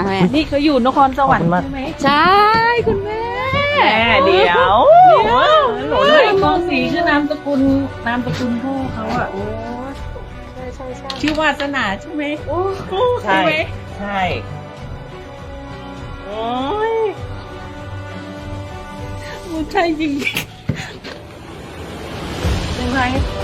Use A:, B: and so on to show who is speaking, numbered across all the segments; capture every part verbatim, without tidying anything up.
A: มาแม่
B: นี่เขาอยู่นครสวรรค์ใช่ไหม
A: ใช่คุณแม่
B: แม่เดี๋ยวหนูเลยมองสีคือนามสกุลนามสกุลพ่อเขาอ่ะ
A: ใช่ใช่ใช่
B: ชื่อวาสนาใช่ไหม
A: โอ้
B: ใช่ไหม
C: ใช่โอ้ย
B: มันใช่จริงใช่ไหม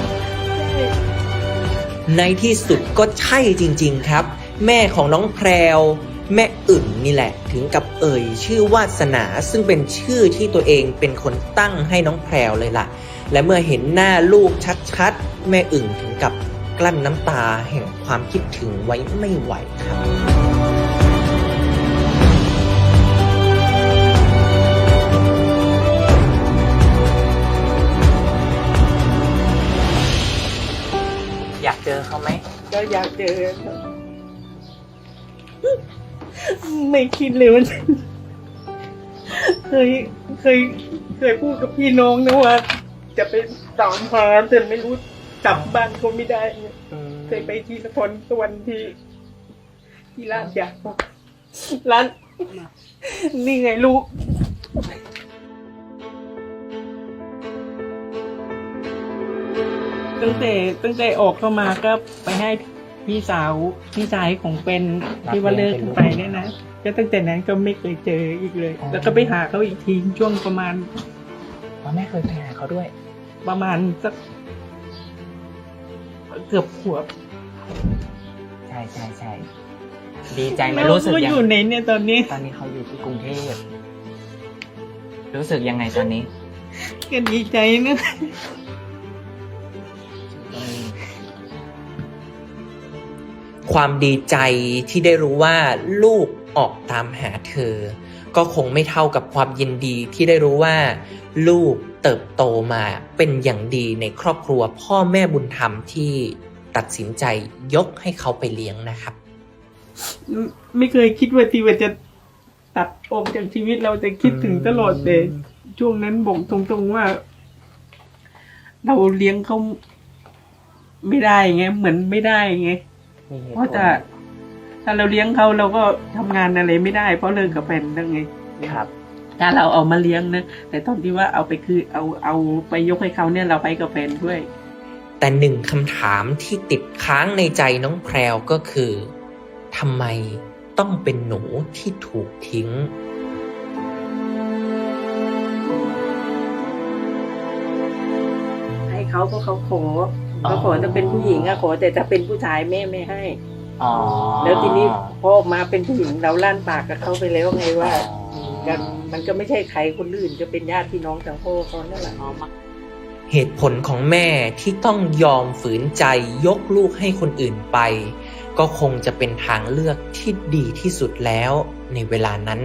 D: ในที่สุดก็ใช่จริงๆครับ แม่ของน้องแพรวแม่อึ่งนี่แหละถึงกับเอ่ยชื่อวาสนาซึ่งเป็นชื่อที่ตัวเองเป็นคนตั้งให้น้องแพรวเลยล่ะ และเมื่อเห็นหน้าลูกชัดๆแม่อึ่งถึงกับกลั้นน้ำตาแห่งความคิดถึงไว้ไม่ไหวครับ
C: อยากเจอเขาไหม
B: ก็อยากเจอไม่คิดเลยว่าเคยเคยเคยพูดกับพี่น้องนะว่าจะไปตามหาแต่ไม่รู้กลับบ้านก็ไม่ได้เคยไปที่นครสวรรค์ที่ที่ร้านยาร้านนี่ไงลูกตั้งแต่ตั้งแต่ออกเข้ามาก็ไปให้พี่สาวพี่ชายของเป็นที่ว่าเลิกกันไปเนี่ยนะก็ตั้งแต่นั้นก็ไม่เคยเจออีกเลย แล้วก็ไปหาเขาอีกทีช่วงประมาณ
C: พ่อแม่เคยไปหาเขาด้วย
B: ประมาณสักเกือบขวบ
C: ใช่ใช่ใช่ดีใจไหมรู้สึก
B: ว่า
C: ยัง
B: อยู่ในเนี่ยตอนนี้
C: ตอนนี้เขาอยู่ที่กรุงเทพรู้สึกยังไงตอนนี้
B: ก็ดีใจนะ
D: ความดีใจที่ได้รู้ว่าลูกออกตามหาเธอ ก็คงไม่เท่ากับความยินดีที่ได้รู้ว่า ลูกเติบโตมาเป็นอย่างดีในครอบครัวพ่อแม่บุญธรรมที่ตัดสินใจยกให้เขาไปเลี้ยงนะครับ
B: ไม่เคยคิดว่าที่ว่าจะตัดออกจากชีวิตเราจะคิดถึงตลอดแต่ช่วงนั้นบอกตรงๆว่า เราเลี้ยงเขาไม่ได้ไงเหมือนไม่ได้ไงเพราะจะถ้าเราเลี้ยงเขาเราก็ทำงานอะไรไม่ได้เพราะเลิกกับแฟนนั่นไง
C: ครับ
B: ถ้าเราเอามาเลี้ยงนะแต่ตอนที่ว่าเอาไปคือเอาเอาไปยกให้เขาเนี่ยเราไปกับแฟนด้วย
D: แต่หนึ่งคำถามที่ติดค้างในใจน้องแพรวก็คือทำไมต้องเป็นหนูที่ถูกทิ้ง
B: ให้เขาเพราะเขาขอเขาขอจะเป็นผู้หญิงอะขอแต่ถ้าเป็นผู้ชายแม่ไม่ให้
C: อ๋อ
B: แล้วทีนี้พอออกมาเป็นผู้หญิงเราลั่นปากกับเขาไปแล้วไงว่ากันมันก็ไม่ใช่ใครคนอื่นจะเป็นญาติพี่น้องทางพ่อเขานั่นแหละ
D: เหตุผลของแม่ที่ต้องยอมฝืนใจยกลูกให้คนอื่นไป ก็คงจะเป็นทางเลือกที่ดีที่สุดแล้วในเวลานั้น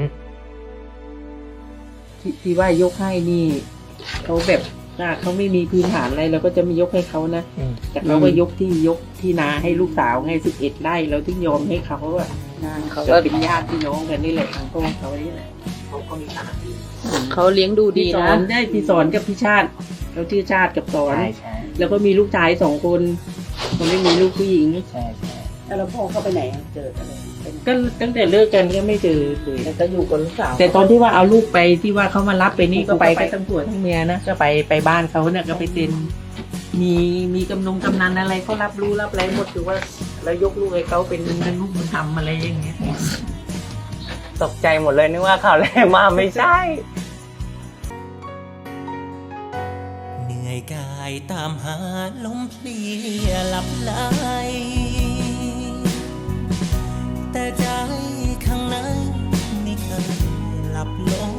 B: ที่ที่ว่ายกให้นี่เขาแบบถ้าเขาไม่มีพื้นฐานอะไรเราก็จะไม่ยกให้เขานะ
D: อืม
B: แต่เราก็ยกที่ยกที่นาให้ลูกสาวไงสิบเอ็ดไร่เราถึงยอมให้เขาอะ
A: เขา
B: ก็
A: ก็
B: เป็นญาติพี่น้องกันนี่แหละทางพ่อเขานี่แหละเขาก็มีฐานะดี
A: เขาเลี้ยงดูดี
B: พี่สอ
A: นะ
B: นได้พี่สอนกับพี่ชาติเขาชื่อชาติกับสอน
C: ใช่ใช่
B: แล้วก็มีลูกชายสองคนเขาไม่มีลูกผู้หญิง
C: ใช่ใช่
A: แล้วพ่อเขาไปไหนเจออะไร
B: ก็ตั้งแต่เลิกกันก็ไม่เจอเลย
A: แล้วก็อยู่กับลูกสาว
B: แต่ตอนที่ว่าเอาลูกไปที่ว่าเขามารับไปนี่
A: ก็
B: ก็
A: ไป
B: ไปกันทั้งผัวทั้งเมียนะก็ไปไปบ้านเขาเนี่ยก็ไปเซ็นมีมีกำนงกำนันอะไรเขารับรู้รับอะไรหมดคือว่าเรายกลูกให้เขาเป็นเป็นลูกบุญธรรมอะไรอย่างเงี้ย
C: ตกใจหมดเลยนึกว่าข่าวแรกมาไม่ใช่
D: เหนื่อยกายตามหาลมเพลียหลับไหลแต่ใจข้างในไม่เคยหลับลง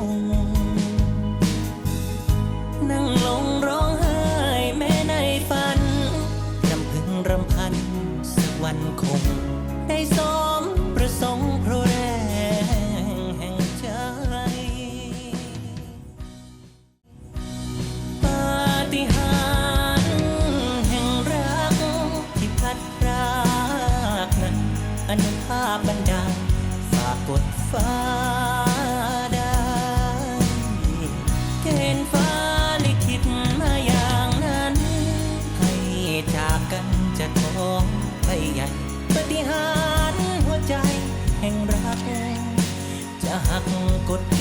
D: นั่งลงร้องไห้แม้ในฝันรำพึงรำพันสักวันคง ได้สมประสงค์เพราะแรงแห่งใจ ปาฏิหาริย์แห่งรักที่พัดพรากนั้นอนุภาพบันดาลฝากกดฟ้าได้เกณฑ์ฟ้าลิขิตมาอย่างนั้น ให้จากกันจะท้องไปใหญ่ปาฏิหาริย์หัวใจแ
E: แห่งรักจะหักกด